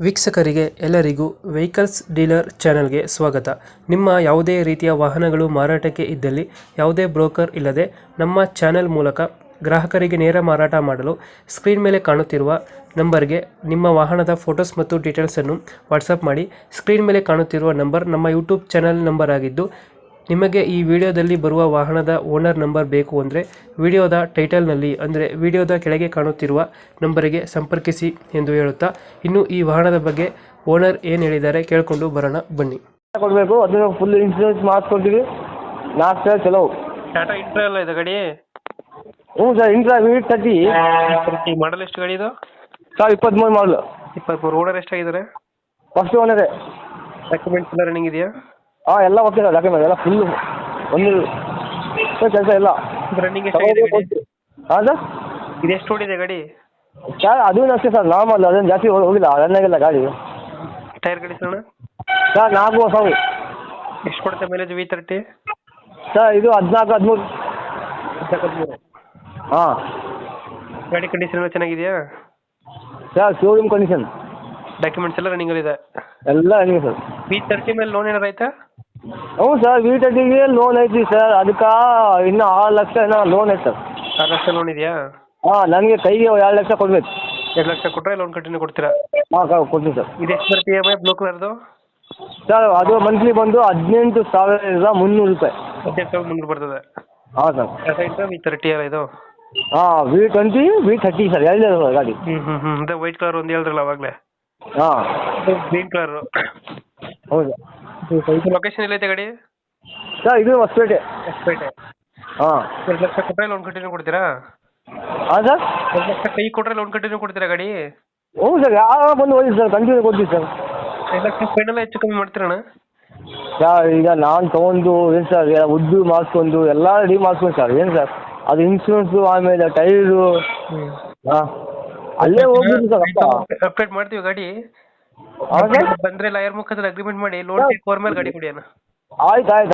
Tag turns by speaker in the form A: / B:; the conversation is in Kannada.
A: ವೀಕ್ಷಕರಿಗೆ ಎಲ್ಲರಿಗೂ ವೆಹಿಕಲ್ಸ್ ಡೀಲರ್ ಚಾನೆಲ್ಗೆ ಸ್ವಾಗತ. ನಿಮ್ಮ ಯಾವುದೇ ರೀತಿಯ ವಾಹನಗಳು ಮಾರಾಟಕ್ಕೆ ಇದ್ದಲ್ಲಿ ಯಾವುದೇ ಬ್ರೋಕರ್ ಇಲ್ಲದೆ ನಮ್ಮ ಚಾನೆಲ್ ಮೂಲಕ ಗ್ರಾಹಕರಿಗೆ ನೇರ ಮಾರಾಟ ಮಾಡಲು ಸ್ಕ್ರೀನ್ ಮೇಲೆ ಕಾಣುತ್ತಿರುವ ನಂಬರ್ಗೆ ನಿಮ್ಮ ವಾಹನದ ಫೋಟೋಸ್ ಮತ್ತು ಡೀಟೇಲ್ಸನ್ನು ವಾಟ್ಸಪ್ ಮಾಡಿ. ಸ್ಕ್ರೀನ್ ಮೇಲೆ ಕಾಣುತ್ತಿರುವ ನಂಬರ್ ನಮ್ಮ ಯೂಟ್ಯೂಬ್ ಚಾನೆಲ್ ನಂಬರ್ ಆಗಿದ್ದು, ನಿಮಗೆ ಈ ವಿಡಿಯೋದಲ್ಲಿ ಬರುವ ವಾಹನದ ಓನರ್ ನಂಬರ್ ಬೇಕು ಅಂದರೆ ವಿಡಿಯೋದ ಟೈಟಲ್ನಲ್ಲಿ ಅಂದರೆ ವಿಡಿಯೋದ ಕೆಳಗೆ ಕಾಣುತ್ತಿರುವ ನಂಬರಿಗೆ ಸಂಪರ್ಕಿಸಿ ಎಂದು ಹೇಳುತ್ತಾ, ಇನ್ನು ಈ ವಾಹನದ ಬಗ್ಗೆ ಓನರ್ ಏನು ಹೇಳಿದ್ದಾರೆ ಕೇಳಿಕೊಂಡು ಬರೋಣ ಬನ್ನಿ.
B: ಕೊಡಬೇಕು, ಅದನ್ನು ಫುಲ್ ಇನ್ಸೂರೆನ್ಸ್ ಮಾಡಿಸ್ಕೊಡ್ತೀವಿ. 4 ಸಾವಿರ ಚಲೋ.
A: ಟಾಟಾ ಇಂಟ್ರಾ ಎಲ್ಲ ಇದೆ ಗಾಡಿ?
B: ಹ್ಞೂ ಸರ್, ಇಂಟ್ರಾ V30.
A: ಮಾಡಲ್ ಎಷ್ಟು ಗಾಡಿ ಇದು?
B: ಸರ್ 23 ಮಾಡಲು.
A: 23. ಓನರ್ ಎಷ್ಟಾಗಿದ್ದಾರೆ?
B: ಫಸ್ಟ್ ಓನರೇ.
A: ಡಾಕ್ಯುಮೆಂಟ್ಸ್ ಎಲ್ಲ ರನ್ನಿಂಗ್ ಇದೆಯಾ?
B: ಹಾಂ, ಎಲ್ಲ ಓಕೆ ಸರ್. ಡಾಕ್ಯುಮೆಂಟ್ ಎಲ್ಲ ಫುಲ್ಲು ಒಂದು ಕೆಲಸ ಇಲ್ಲ.
A: ರನ್ನಿಂಗ್ ಎಷ್ಟಾಗಿದೆ ಗಾಡಿ?
B: ಹಾಂ ಸರ್,
A: ಇದು ಎಷ್ಟು ಓಡಿದೆ ಗಾಡಿ?
B: ಸರ್ ಅದೂ ಅಷ್ಟೇ ಸರ್, ನಾರ್ಮಲ್, ಅದೇನು ಜಾಸ್ತಿ ಹೋಗಿಲ್ಲ, ರನ್ ಆಗಿಲ್ಲ ಗಾಡಿ.
A: ಟೈರ್ ಕಂಡೀಷನ್
B: ಸರ್ 4 ಹೊಸವು.
A: ಎಷ್ಟು ಕೊಡುತ್ತೆ ಮೈಲೇಜ್ V30?
B: ಸರ್ ಇದು 14-13. ಹಾಂ.
A: ಗಾಡಿ ಕಂಡೀಷನ್ ಎಲ್ಲ ಚೆನ್ನಾಗಿದೆಯಾ?
B: Sir showroom condition.
A: ಡಾಕ್ಯುಮೆಂಟ್ಸ್ ಎಲ್ಲ ರನ್ನಿಂಗ್ ಇದೆ?
B: ಎಲ್ಲ ರನ್ನಿಂಗ್ ಸರ್.
A: V30 ಮೇಲೆ ಲೋನ್ ಏನಾರು ಆಯ್ತಾ?
B: ಹ್ಞೂ ಸರ್, V30ಗೆ ಲೋನ್ ಐತಿ ಸರ್. ಅದಕ್ಕೆ ಇನ್ನೂ 6 ಲಕ್ಷ ಏನೋ ಲೋನ್ ಐತೆ ಸರ್.
A: 6 ಲಕ್ಷ ಲೋನ್ ಇದೆಯಾ?
B: ಹಾಂ, ನನಗೆ ಕೈಗೆ 2 ಲಕ್ಷ ಕೊಡ್ಬೇಕು.
A: 2 ಲಕ್ಷ ಕೊಟ್ಟರೆ ಲೋನ್ ಕಂಟಿನ್ಯೂ ಕೊಡ್ತೀರಾ?
B: ಹಾಂ ಕೊಡ್ತೀನಿ ಸರ್.
A: ಇದು ಎಷ್ಟು ಬರುತ್ತೆ EMI ಬ್ಲೂ ಕಲರ್ದು?
B: ಸರ್ ಅದು ಮಂತ್ಲಿ ಬಂದು 18,300 ರೂಪಾಯಿ.
A: 18,300 ಬರ್ತದೆ.
B: ಹಾಂ ಸರ್.
A: ಟಾಟಾ ಇಂಟ್ರಾ V30 ಅಲ್ಲ ಇದು?
B: ಹಾಂ, V20 V30 ಸರ್, ಎರಡೇ ಗಾಡಿ.
A: ಅದೇ ವೈಟ್ ಕಲರ್ ಒಂದು ಹೇಳಿದ್ರಲ್ಲ ಅವಾಗಲೇ?
B: ಹಾಂ,
A: ಗ್ರೀನ್ ಕಲರು.
B: ಹೌದು.
A: ಲೊಕೇಶನ್ ಎಲ್ಲೈತೆ ಗಾಡಿ?
B: ಸರ್ ಇದು ಹೊಸಪೇಟೆ.
A: ಹೊಸಪೇಟೆ.
B: ಹಾಂ.
A: 2 ಲಕ್ಷ ಕೊಟ್ಟರೆ ಲೋನ್ ಕಂಟಿನ್ಯೂ ಕೊಡ್ತೀರಾ?
B: ಹಾಂ ಸರ್.
A: 2 ಲಕ್ಷ ಕೈ ಕೊಟ್ಟರೆ ಲೋನ್ ಕಂಟಿನ್ಯೂ ಕೊಡ್ತೀರಾ ಗಾಡಿ?
B: ಹ್ಞೂ ಸರ್, ಯಾವ ಬಂದು ಹೋಗಿ ಸರ್, ಕಂಟಿನ್ಯೂ ಕೊಡ್ತೀವಿ ಸರ್.
A: 2 ಲಕ್ಷ ಫೈನಲ್ ಹೆಚ್ಚು ಕಮ್ಮಿ ಮಾಡ್ತೀರಣ್ಣ?
B: ಸರ್ ಈಗ ನಾನು ತೊಗೊಂಡು ಏನು ಸರ್, ಉದ್ದು ಮಾಡಿಸ್ಕೊಂಡು ಎಲ್ಲ ರೆಡಿ ಮಾಡಿಸ್ಕೊಂಡು ಸರ್, ಏನು ಸರ್ ಅದು ಇನ್ಶೂರೆನ್ಸು, ಆಮೇಲೆ ಟೈರು. ಹಾಂ, ಅಲ್ಲೇ ಹೋಗ್ಬಿಟ್ಟು ಸರ್.
A: ಅಪ್ಡೇಟ್ ಮಾಡ್ತೀವಿ ಗಾಡಿ.
B: ಹಾಂ ಸರ್.
A: ಬಂದರೆ ಲಾಯರ್ ಮುಖಾಂತರ ಅಗ್ರಿಮೆಂಟ್ ಮಾಡಿ ಲೋನ್ ಟೇಕ್ ಓವರ್ ಮೇಲೆ ಗಾಡಿ ಕೊಡಿ ಅಣ್ಣ.
B: ಆಯ್ತು ಆಯ್ತು.